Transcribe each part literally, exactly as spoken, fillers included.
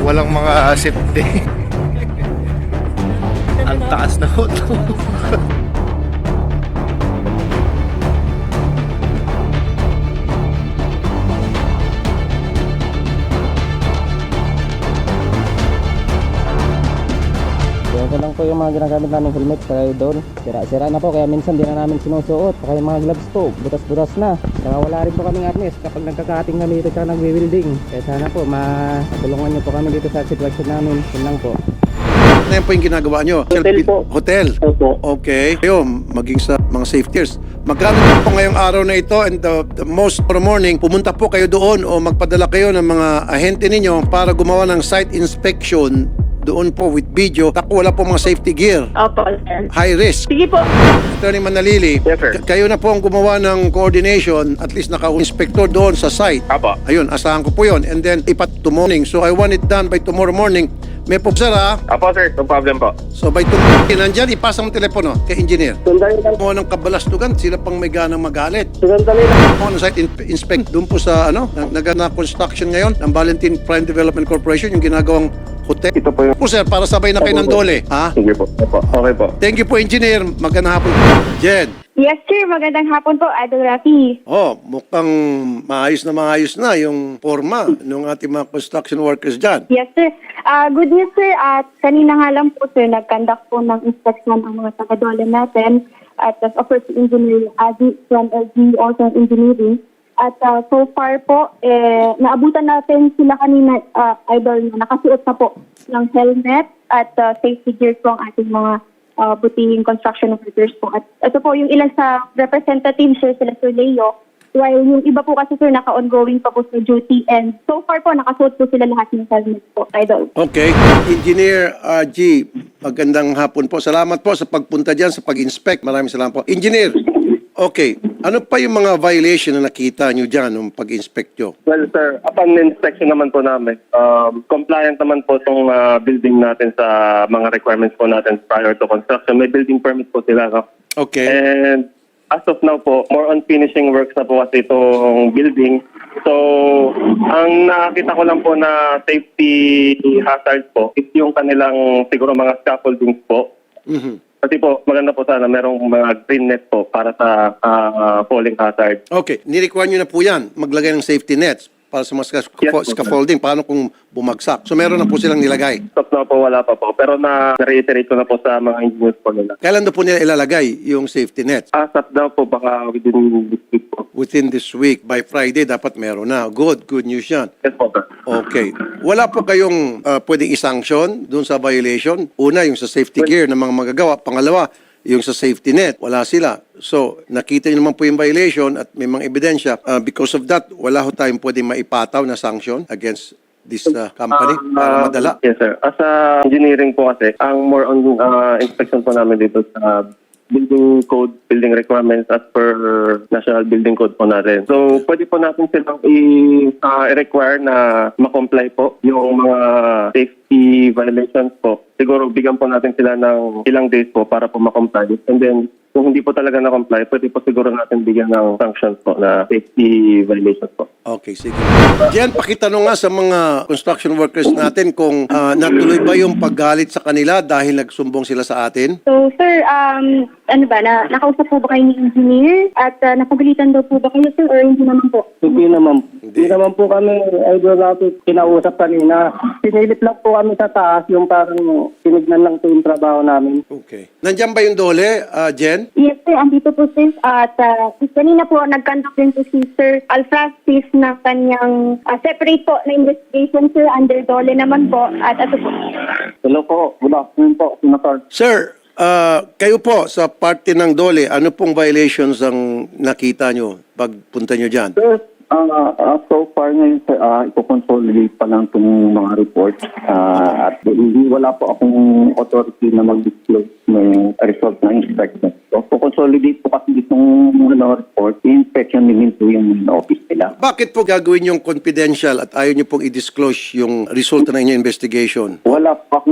walang mga safety. Ang taas na ho to. Ito lang po yung mga ginagamit namin helmet kaya doon. Sira-sira na po kaya minsan di na namin sinusuot. Kaya yung mga gloves po, butas-butas na. Saka wala rin po kaming arnes kapag nagkakating kami dito sa nagwi-welding. Kaya sana po matulungan nyo po kami dito sa sitwasyon namin. Yun lang po. Ano yan po yung ginagawa nyo? Hotel po. Hotel? Opo. Okay. Kayo, maging sa mga safeties. Magkano po ngayong araw na ito and the, the most for morning, pumunta po kayo doon o magpadala kayo ng mga ahente ninyo para gumawa ng site inspection doon po with video. Tako wala po mga safety gear. Opo, sir. High risk. Sige po. Attorney Manalili, Yes, sir. k- kayo na po ang gumawa ng coordination, at least naka-inspector doon sa site. Apo. Ayun, asahan ko po yun. And then, ipat to morning. So, I want it done by tomorrow morning. May po, sir, ha? Apo, sir. No problem po. So, by tomorrow, nandyan, ipasa mo telepono kay engineer. Sandali lang. Mo ng kabalastugan, sila pang may ganang magalit. Sandali lang. Mo ng site in- inspect doon po sa, ano, nag na construction ngayon ng Valentin Prime Development Corporation, yung ginagawang hotel. Ito po yung... Po, sir, para sabay na kayo ng dole, ha? Sige po. Opo. Okay po. Thank you po, engineer. Magandang hapon. Jen. Yes, sir. Magandang hapon po, Idol Rafi. Oh, mukhang maayos na maayos na yung forma ng ating mga construction workers dyan. Yes, sir. Ah, good news, sir. At kanina nga lang po, sir, nag-conduct po ng inspection ang mga taga-dole natin. At as of course, si Engineer Adi from L G, also in engineering. At ah, so far po, eh, naabutan natin sila kanina, ah, Idol, na nakasuot na po ng helmet at ah, safety gear po ang ating mga uh, butihing construction workers po. At ito po yung ilan sa representatives, sir, sila Sir Leo, while yung iba po kasi, sir, naka-ongoing pa po sa duty, and so far po, nakasuot po sila lahat ng helmet po, Idol. Okay. Engineer uh, G, magandang hapon po. Salamat po sa pagpunta dyan, sa pag-inspect. Maraming salamat po. Engineer, okay. Ano pa yung mga violation na nakita nyo dyan nung pag-inspect nyo? Well, sir, upon inspection naman po namin, um, compliant naman po itong uh, building natin sa mga requirements po natin prior to construction. May building permit po sila. No? Okay. And as of now po, more on finishing works na po kasi itong building. So, ang nakita ko lang po na safety hazard po is yung kanilang siguro mga scaffoldings po. Mhm. Kasi po, maganda po sana merong mga green net po para sa ah, falling hazard. Okay. Nirequire nyo na po yan, maglagay ng safety nets para sa mga sca- Yes, po, sir. scaffolding. Paano kung bumagsak? So meron na po silang nilagay. Stop na po, wala pa po. Pero na-reiterate ko na po sa mga engineers po nila. Kailan na po nila ilalagay yung safety nets? As of now po, baka within this week po. Within this week, by Friday, dapat meron na. Good, good news yan. Yes po, sir. Okay. Wala po kayong uh, pwedeng isanction dun sa violation? Una, yung sa safety gear ng mga magagawa. Pangalawa, yung sa safety net. Wala sila. So, nakita niyo naman po yung violation at may mga ebidensya. Uh, because of that, wala ho tayong pwedeng maipataw na sanction against this uh, company para Ah, madala. Yes, sir. As a engineering po kasi, ang more on ah, inspection po namin dito sa building code, building requirements as per national building code po natin. So, pwede po natin silang i- ah, i-require na ma-comply po yung mga safety violations po. Siguro, bigyan po natin sila ng ilang days po para po ma-comply. And then, kung hindi po talaga na-comply, pwede po siguro natin bigyan ng sanctions po na safety violations po. Okay, sige. Diyan, pakitanong nga sa mga construction workers natin kung uh, natuloy ba yung paggalit sa kanila dahil nagsumbong sila sa atin? So, sir, um, ano ba, na, nakausap po ba kayo ni engineer? At uh, napagalitan daw po ba kayo, sir, or hindi naman po? Hindi naman. Hindi naman po kami, Idol Rafi, kinausap kanina. Pinilit lang po kami sa taas yung parang tinignan lang po yung trabaho namin. Okay. Nandiyan ba yung dole, uh, Jen? Yes, sir. Andito po, sir. At uh, kanina po, nag-conduct din po si Sir Alfrastis na kanyang uh, separate po na investigation, sir. Under Dole naman po. At ito po. Hello po. Good afternoon po, Senator. Sir, uh, kayo po sa parte ng dole, ano pong violations ang nakita nyo pagpunta nyo dyan? Sir, uh, uh, so far ngayon, sir, uh, ipoconsolidate pa lang itong mga reports. Uh, at hindi wala po akong authority na mag-disclose ng result ng inspection. So, ipoconsolidate po kasi itong ano, report, inspection din po yung office nila. Bakit po gagawin yung confidential at ayaw nyo pong i-disclose yung resulta ng inyong investigation? Wala pa akong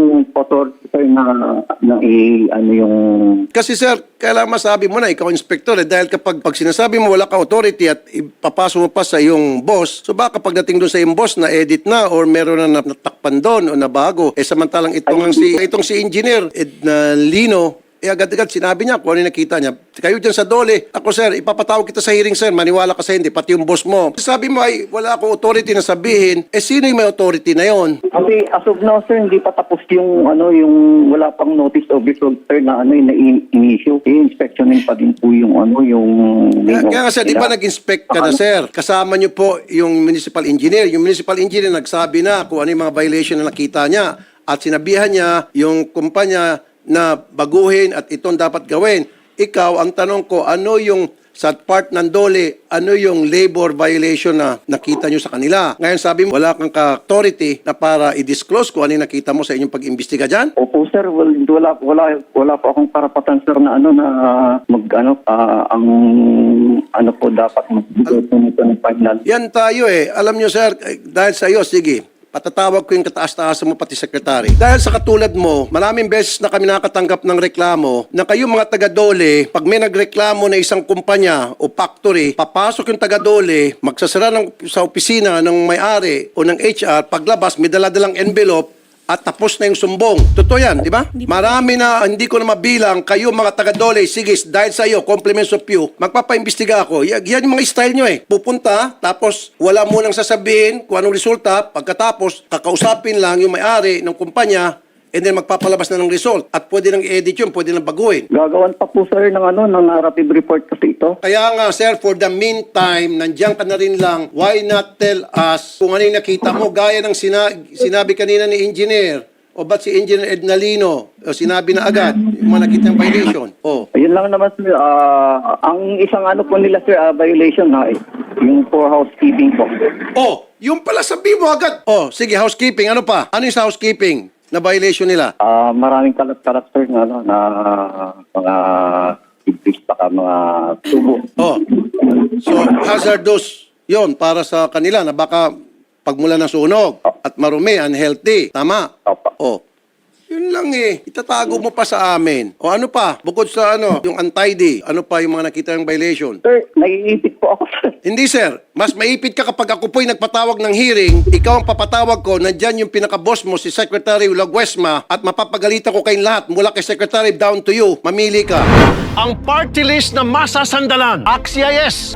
akong authority sir na, na i, ano yung... Kasi sir, kailangan masabi mo na, ikaw inspector eh, dahil kapag pag sinasabi mo wala kang authority at ipapasok mo pa sa iyong boss, so baka pagdating doon sa iyong boss na edit na or meron na natakpan doon o nabago, eh samantalang itong, ang si, itong si engineer Edna Lino, eh agad-agad sinabi niya kung ano yung nakita niya. Kayo dyan sa Dole, ako sir, ipapatawag kita sa hearing sir, maniwala ka sa hindi, pati yung boss mo. Sabi mo ay wala akong authority na sabihin, eh sino yung may authority na yon? Kasi as of now sir, hindi pa tapos yung ano yung wala pang notice of result sir na ano yung na-issue. I-inspectionin pa din po yung ano yung... Kaya, kaya nga sir, di ba nag-inspect ka na sir? Kasama niyo po yung municipal engineer. Yung municipal engineer nagsabi na kung ano yung mga violation na nakita niya at sinabihan niya yung kumpanya na baguhin at itong dapat gawin. Ikaw, ang tanong ko, ano yung sa part ng Dole, ano yung labor violation na nakita nyo sa kanila? Ngayon sabi mo, wala kang authority na para i-disclose kung ano yung nakita mo sa inyong pag-imbestiga dyan? Opo sir, well, wala wala wala po akong karapatan sir na ano na mag ano ah, ang ano po dapat magbigay po nito ng final. Yan tayo eh. Alam nyo sir, eh, dahil sa iyo, sige, patatawag ko yung kataas-taasan mo pati sekretary. Dahil sa katulad mo, maraming beses na kami nakakatanggap ng reklamo na kayo mga taga-Dole, pag may nagreklamo na isang kumpanya o factory, papasok yung taga-Dole, magsasara ng, sa opisina ng may-ari o ng H R, paglabas, may daladalang envelope, at tapos na yung sumbong. Totoo yan, di ba? Marami na, hindi ko na mabilang, kayo mga taga-Dole, sige, dahil sa iyo, compliments of you, magpapaimbestiga ako. Yan, yan yung mga style nyo eh. Pupunta, tapos wala mo nang sasabihin kung anong resulta, pagkatapos, kakausapin lang yung may-ari ng kumpanya, and then magpapalabas na ng result. At pwede nang i-edit yun, pwede nang baguhin. Gagawan pa po sir ng ano ng narrative report kasi ito. Kaya nga, sir, for the meantime, nandiyan ka na rin lang, why not tell us kung ano yung nakita mo, gaya ng sina- sinabi kanina ni engineer, o ba't si Engineer Edna Lino, o sinabi na agad, yung mga nakita ng violation. O, Ayun lang naman sir, ah, ang isang ano po nila sir, ah, violation na eh, yung for housekeeping po. oh, yung pala sabi mo agad. Oh, sige, housekeeping, ano pa? Ano yung sa housekeeping na violation nila? Ah, maraming kalat-kalat sir na ano na mga ibis baka mga tubo. Oh, so hazardous yon para sa kanila na baka pagmula ng sunog at marumi, unhealthy. Tama? Opo. Oh, yun lang eh. Itatago mo pa sa amin. O ano pa? Bukod sa ano, yung untidy, ano pa yung mga nakita ng violation? Sir, naiisip po ako sir. Hindi sir, mas maipit ka kapag ako po'y nagpatawag ng hearing, ikaw ang papatawag ko, nandyan yung pinaka-boss mo, si Secretary Laguesma, at mapapagalitan ko kayong lahat, mula kay Secretary down to you, mamili ka. Ang party list na masasandalan. Axies.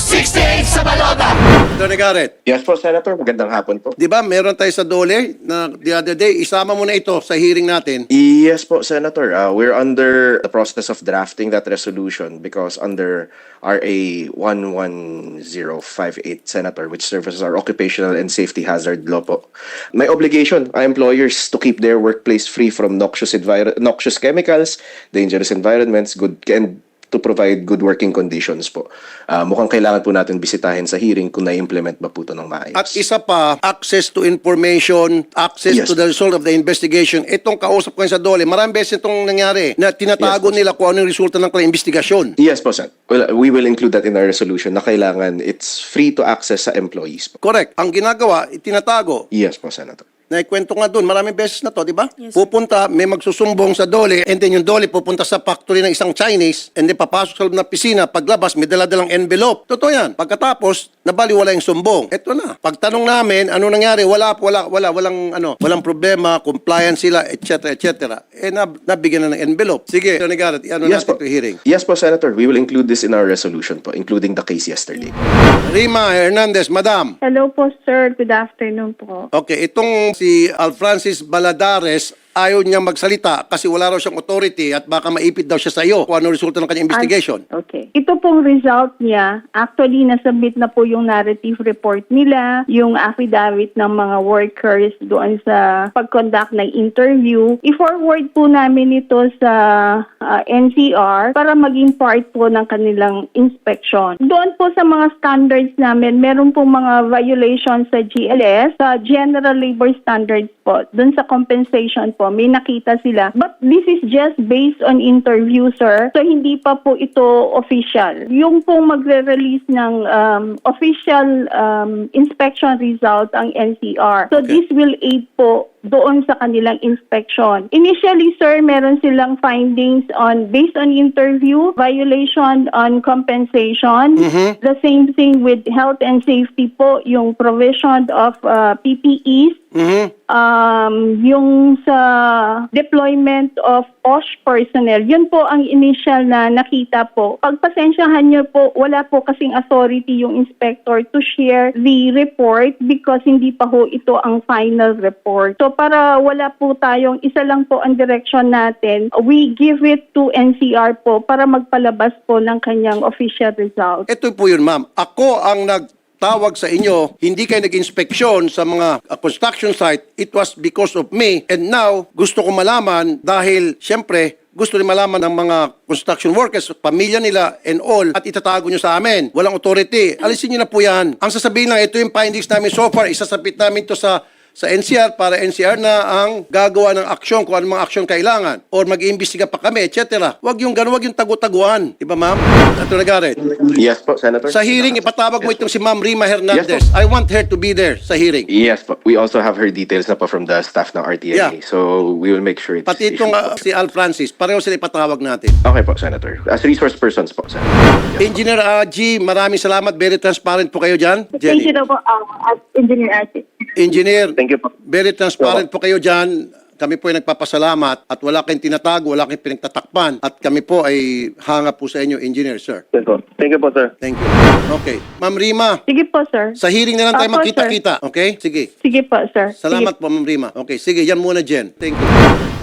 Attorney Garrett, Yes po, Senator. Magandang hapon po. di ba meron tayo sa Dole na the other day, isama mo na ito sa hearing natin. Yes po, Senator. Uh, we're under the process of drafting that resolution because under R A one one zero five eight, Senator, which serves as our occupational and safety hazard law po, may obligation ang employers to keep their workplace free from noxious, envir- noxious chemicals, dangerous environments, good and to provide good working conditions po. Uh, mukhang kailangan po natin bisitahin sa hearing kung na-implement ba po ito ng maayos. At isa pa, access to information, access Yes, to the result of the investigation. Itong kausap ko sa Dole, maraming beses itong nangyari na tinatago Yes, boss. nila kung ano yung resulta ng kanilang investigasyon. Yes po, Sen. Well, we will include that in our resolution na kailangan it's free to access sa employees po. Correct. Ang ginagawa, itinatago. Yes po, Senator. Naikwento nga doon, maraming beses na to, di ba? Pupunta, may magsusumbong sa Dole, and then yung Dole pupunta sa factory ng isang Chinese, and then papasok sa loob ng pisina, paglabas, may dala-dalang envelope. Totoo yan. Pagkatapos, nabaliwala yung sumbong. Ito na. Pagtanong namin, ano nangyari? Wala, wala, wala, walang, ano, walang problema, compliance sila, et cetera, et cetera. Eh, nab nabigyan na ng envelope. Sige, Attorney Garrett, ano Yes natin po. ito hearing? Yes po, Senator. We will include this in our resolution po, including the case yesterday. Rima Hernandez, Madam. Hello po, sir. Good afternoon po. Okay, itong si Alfrancis Baladares, ayaw niya magsalita kasi wala raw siyang authority at baka maipit daw siya sa iyo kung ano resulta ng kanyang investigation. Ah, okay. Ito pong result niya, actually nasubmit na po yung narrative report nila, yung affidavit ng mga workers doon sa pag-conduct ng interview. I-forward po namin ito sa uh, N C R para maging part po ng kanilang inspection. Doon po sa mga standards namin, meron po mga violations sa G L S, sa General Labor Standards po, doon sa compensation po, may nakita sila. But this is just based on interview, sir. So, hindi pa po ito official. Yung po magre-release ng um, official um, inspection result ang N C R. So, Okay. this will aid po doon sa kanilang inspection. Initially, sir, meron silang findings on based on interview, violation on compensation, the same thing with health and safety po, yung provision of uh, P P Es, Mhm. um, yung sa deployment of O S H personnel, yun po ang initial na nakita po. Pagpasensyahan nyo po, wala po kasing authority yung inspector to share the report because hindi pa ho ito ang final report. So para wala po tayong, isa lang po ang direction natin, we give it to N C R po para magpalabas po ng kanyang official result. Ito po yun, ma'am. Ako ang nagtawag sa inyo, hindi kayo nag-inspeksyon sa mga uh, construction site. It was because of me. And now, gusto ko malaman dahil, syempre, gusto rin malaman ng mga construction workers, pamilya nila and all, at itatago nyo sa amin. Walang authority. Alisin nyo na po yan. Ang sasabihin lang, ito yung findings namin so far. Isasabit namin to sa sa N C R para N C R na ang gagawa ng aksyon kung anong mga aksyon kailangan or mag-iimbestiga pa kami, et cetera. Huwag yung gano'n, huwag yung tagu-taguan. Diba, ma'am? Attorney Garrett. Yes po, Senator. Sa hearing, ipatawag mo Yes itong po. si Ma'am Rima Hernandez. Yes, po. I want her to be there sa hearing. Yes po. We also have her details na po from the staff ng R T I A. Yeah. So we will make sure it's Pati itong issued uh, po. si Al Francis, pareho sila ipatawag natin. Okay po, Senator. As resource persons po, Senator. Yes, po. Engineer uh, G, maraming salamat. Very transparent po kayo dyan. Thank you Jenny. daw po, uh, as Engineer Ate. Engineer, Thank you po. very transparent po kayo dyan. Kami po ay nagpapasalamat at wala kayong tinatago, wala kayong pinagtatakpan. At kami po ay hanga po sa inyo, Engineer, sir. Thank you, Thank you po, sir. Thank you. Okay. Ma'am Rima, Sige po, sir. sa hearing na lang tayo Opo, magkita-kita. Okay? Sige. Sige po, sir. Salamat po, Ma'am Rima. Okay, sige. Yan muna, Jen. Thank you.